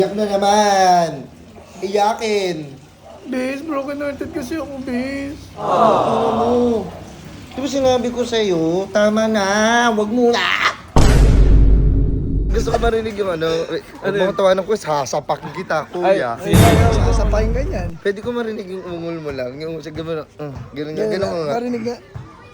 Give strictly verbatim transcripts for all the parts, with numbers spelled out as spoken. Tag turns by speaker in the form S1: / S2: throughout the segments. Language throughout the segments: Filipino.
S1: Iyak na naman. Iyakin.
S2: Bes, broken hearted kasi ako, Bes.
S1: Ano mo? Di ba sinabi ko sa'yo, tama na, wag mo na. Gusto ko marinig yung ano, huwag mo tawanan ko, sasapakin kita, kuya.
S2: Ay, ayaw, sasapahin ganyan.
S1: Pwede ko marinig yung ungol mo lang, yung sa gano'n, uh, gano'n nga, gano'n nga.
S2: Marinig nga.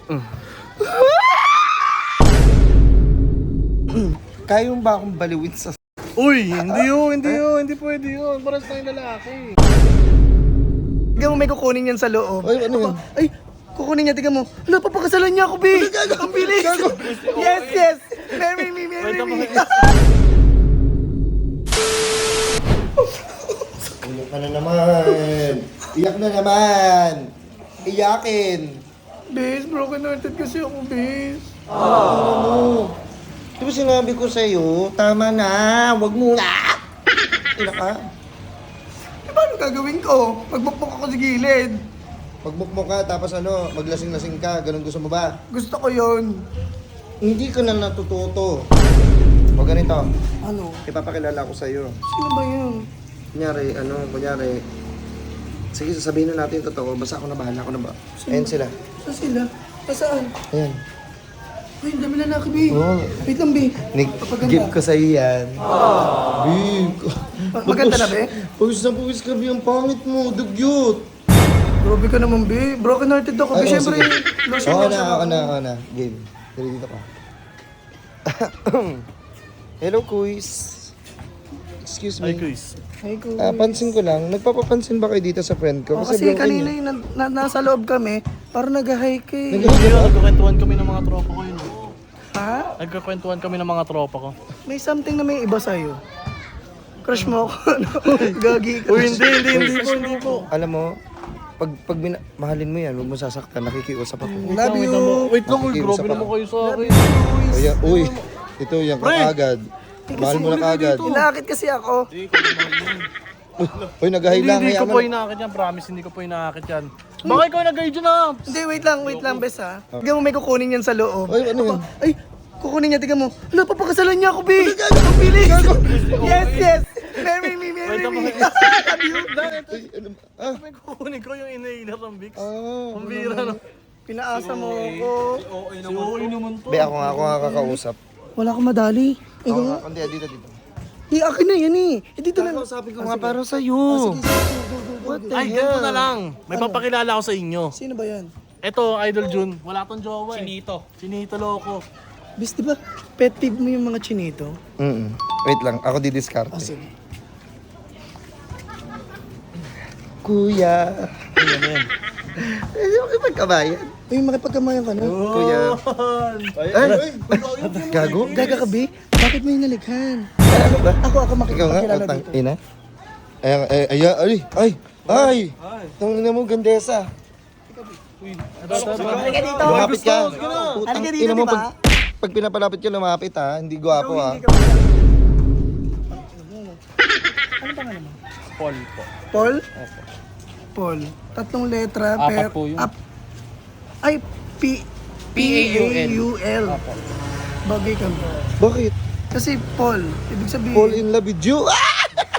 S1: Kaya mo ba akong baliwin sa...
S2: Uy, hindi yun, hindi yun, hindi pwede yun. Paras tayong lalaki. Tignan mo, may kukunin yan sa loob.
S1: Ay, ano yun?
S2: Ay, kukunin niya, tignan mo. Hala, papakasalan niya ako, Bes. Ang bilis. Yes, yes. Marry me, marry me.
S1: Iyak ka na naman. Iyak na naman. Iyakin.
S2: Bes, broken hearted kasi ako, Bes.
S1: Ano mo? Di ba sinabi ko sa'yo, tama na, wag mo na. Iyak ka.
S2: Eh, paano gagawin ko? Magbukbok ako sa gilid.
S1: Magbukmok ka, tapos ano, maglasing-lasing ka, ganun gusto mo ba?
S2: Gusto ko yun.
S1: Hindi ka na natututo. O ganito,
S2: Ano?
S1: ipapakilala ko sa'yo.
S2: Sino ba yun?
S1: Kunyari, ano, kunyari, sige, sasabihin na natin yung totoo, basta ako na bahala, ako na ba? Ayan sila.
S2: Saan sila? Saan?
S1: Ayan.
S2: Ay, ang dami lalaki, Bes.
S1: Oo.
S2: Wait lang, Bes.
S1: Nag-give ko sa'yo yan. Big.
S2: Ma- maganda na, Be?
S1: Pawis na pawis ka, Be. Ang pangit mo, dugyot.
S2: Grabe ka naman, Be. Broken hearted ako, Be.
S1: Ay, oh,
S2: Siyempre,
S1: sige.
S2: lotion
S1: Oo
S2: lotion
S1: na,
S2: ako.
S1: ako na, ako na. Game. Dali dito ka. Hello, Kuis. Excuse me.
S3: Ay, Chris.
S2: Ay, ko.
S1: Ah, pansin ko lang, nagpapapansin ba kayo dito sa friend ko?
S2: Oh, kasi
S1: broken
S2: kanina
S1: yun.
S2: yung na, na, nasa loob kami, parang nag-hike eh.
S1: Nag-
S3: Hindi yun, nagkakwentuhan kami ng mga tropa ko yun.
S2: Ha?
S3: Nagkakwentuhan kami ng mga tropa ko.
S2: May something na may iba sa'yo. Crush mo ako, ano? Gagi ka.
S3: Uy, hindi, hindi, hindi po, hindi po.
S1: Alam mo, pag, pag bina- mahalin mo yan, huwag mo sasaktan, nakikiusap ako.
S2: Love
S3: Wait
S2: you.
S3: lang mo. Wait lang, uy,
S1: Nakikiusap
S3: grabe
S1: ako.
S3: naman kayo sa akin.
S1: O yan, uy, ito yan,
S3: Pre!
S1: kakagad. Mahal mo na kagad.
S2: Inaakit kasi ako.
S3: Hindi, ko mahal yun.
S1: Uy, nagahay
S3: Hindi,
S1: lang.
S3: hindi ko
S1: hayaan
S3: po
S1: mo.
S3: inaakit yan, promise, hindi ko po inaakit yan. Baka ikaw nag-guide dyan ah.
S2: Hindi, wait lang, wait lang, bes ha. Tignan mo, may kukunin yan sa loob.
S1: Ay, ano yun?
S2: Ay, kukunin niya, tignan mo. Hala, papakasalan niya ako, Be. Ang bilis. Yes, yes. Marry me, marry me. Love you.
S1: Ay, ano, ah,
S3: May kukunin ko yung inhaler ng Vicks.
S1: ah.
S3: Pambira no.
S2: Pinaasa mo ako.
S3: Si O A naman to.
S1: Be, ako nga, ako nga kakausap.
S2: Wala akong madali.
S1: Ako
S2: Ikaw
S1: nga,
S2: nga.
S1: hindi, dito, dito.
S2: Di, akin na yan eh. Eh, dito na.
S1: Sabi ko nga para sa'yo. What the
S3: Ay, ganito na lang. May papakilala ako sa inyo.
S2: Sino ba yan?
S3: Ito, Idol Jun. Wala tong jowa eh. Chinito. Chinito loko.
S2: Bis, di ba, pet peeve mo yung mga chinito?
S1: Mm Wait lang, ako didiskarte.
S2: Ah, sige.
S1: Kuya.
S3: Ayan, ayan.
S1: Hindi mo kipagkabayan.
S2: Uy, makipagkamayan ka na.
S1: Kuya.
S3: Ay,
S1: Ay, gago?
S2: Gaga ka, Be? Bakit mo yung nalighan?
S1: Ano ba?
S2: Ako, ako
S1: Ikaw nga,
S2: makikipagkilala
S1: atang
S2: dito.
S1: ina. Ay, ay, ay, ay, ay, ay. Tangina mo, gandesa.
S2: Halika dito.
S1: Lumapit ka.
S3: Sige na.
S1: Putang
S2: Halika dito,
S1: ina mo,
S2: di ba?
S1: pag, pag pinapalapit ka, lumapit ha. Hindi gwapo ha.
S2: Hindi ka ba- Ano pangalan mo?
S3: Paul po.
S2: Paul? Paul. Tatlong letra.
S3: Apat
S2: per,
S3: po yun.
S2: ap- ay, P...
S3: P A U L.
S2: U L. Bagay ka.
S1: Bakit?
S2: Kasi Paul, ibig sabihin...
S1: Fall in love with you. Ah!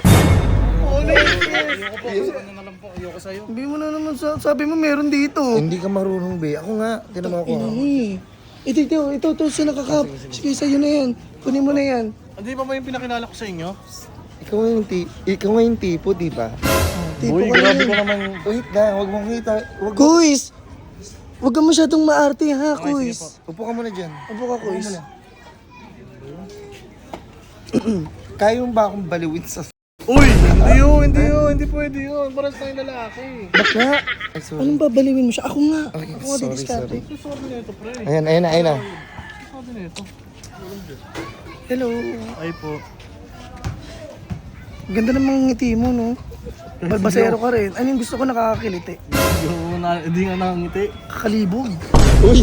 S3: Ayoko po. Ano na lang po. Ayoko sa'yo.
S2: Hindi mo na naman sa, sabi mo meron dito.
S1: Hindi ka marunong, be. Ako nga. Tinan mo ako.
S2: Ina mo eh. Ito, ito, ito, ito, sa nakakap. Sige, sa'yo na yan. Kunin mo na yan.
S3: Hindi pa ba yung pinakilala ko sa inyo?
S1: Ikaw nga yung, ti ikaw nga yung tipo, di ba?
S2: Tipo
S3: Uy,
S2: ka na
S3: grabe
S2: yan.
S3: ka naman.
S1: Wait na, huwag mong kita. Huwag mo.
S2: Kuis! Huwag ka masyadong maarte ha,
S3: Okay, sige
S2: Kuis.
S1: Upo ka muna dyan.
S2: Upo ka, Kuis.
S1: Kaya mo ba akong baliwin sa...
S3: Uy, hindi yun, hindi yun, hindi pwede yun. Paras tayong lalaki.
S2: Bakla,
S1: Ay, sorry.
S2: anong babaliwin mo siya? Ako nga.
S1: Okay,
S2: Ako nga
S1: sorry,
S2: didiskarte.
S1: sorry.
S3: Sabi na ito, pre.
S1: Ayan, ayan na, ayan na.
S3: Sabi na ito.
S2: Hello.
S3: Ay po.
S2: Ganda ng mga ngiti mo, no? Balbasero ka rin. Ano yung gusto ko nakakakiliti?
S3: Yung na, hindi nga nakangiti.
S2: Kakalibog.
S1: Uy!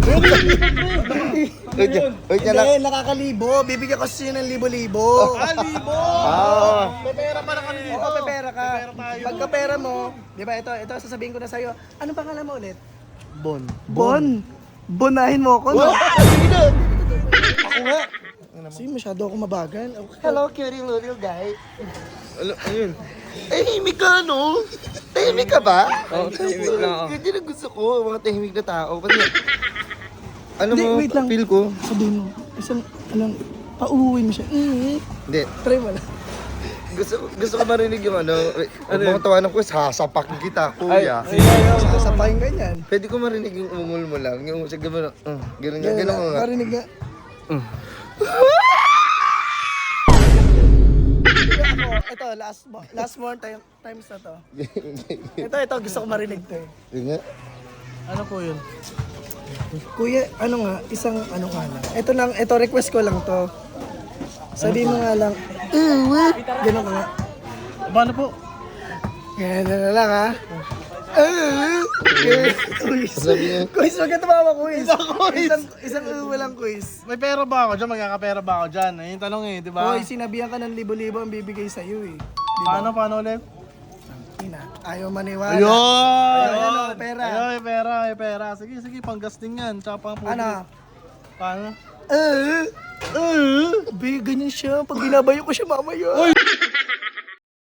S1: Wait niya, wait niya lang.
S2: Hindi, nakakalibo. Bibigyan ko sa'yo ng libo-libo.
S3: Ah, libo!
S1: Ah,
S3: May pera pa na kami dito.
S2: Oo, pepera ka.
S3: Pepera tayo.
S2: Pagka pera mo, di ba ito, ito sasabihin ko na sa'yo. Ano pangalan mo ulit?
S3: Bon.
S2: Bon. Bonahin mo ako, no?
S1: Sige na! Ako nga.
S2: Kasi masyado ako mabagal. Okay.
S1: Hello, cutie little guy. Ano, ayun. Tahimik ka, no? Tahimik ka ba?
S3: Oo, tahimik na ako.
S1: Ganyan ang gusto ko, mga tahimik na tao. Kasi, ano
S2: Hindi,
S1: mo,
S2: wait lang.
S1: feel ko?
S2: Sabihin mo, isang, alam, pauuwi mo siya. Mm,
S1: Hindi.
S2: try mo lang.
S1: Gusto, gusto ko marinig yung ano, ano mga tawanan ko, sasapak kita, kuya.
S3: Ay, ay, ay.
S2: Sasapahin ganyan.
S1: Pwede ko marinig yung umungol mo lang, yung sa gano'n, uh, gano'n nga,
S2: Ganyan
S1: gano'n
S2: na,
S1: nga.
S2: marinig nga.
S1: Mm.
S2: Ako, ito, last, mo- last more time, times na to. Ito, ito, gusto ko marinig to eh.
S1: Yun nga.
S3: Ano po yun?
S2: Kuya, ano nga, isang ano nga lang. Ito lang, ito request ko lang to. Sabi mo nga lang, uh, gano'n ka nga.
S3: Paano po?
S2: Ganyan na lang ha. Uh, quiz.
S1: Sabi niya,
S2: Quiz, wag ka tumawa, quiz. Isang, isang uh, walang quiz.
S3: May pera ba ako dyan? Magkakapera ba ako dyan? Ayun yung tanong eh, di ba?
S2: Hoy, sinabihan ka ng libo-libo ang bibigay sa'yo eh.
S3: Paano, paano ulit?
S2: Ina, ayaw maniwala.
S3: Ayun!
S2: Ayun, ano, pera.
S3: Ayun, may pera, may pera. Sige, sige, panggasting yan. Tsaka pang food.
S2: Ano?
S3: Paano?
S2: Uh, uh, be, ganyan siya. Pag binabayo ko siya mamaya.
S3: Uy!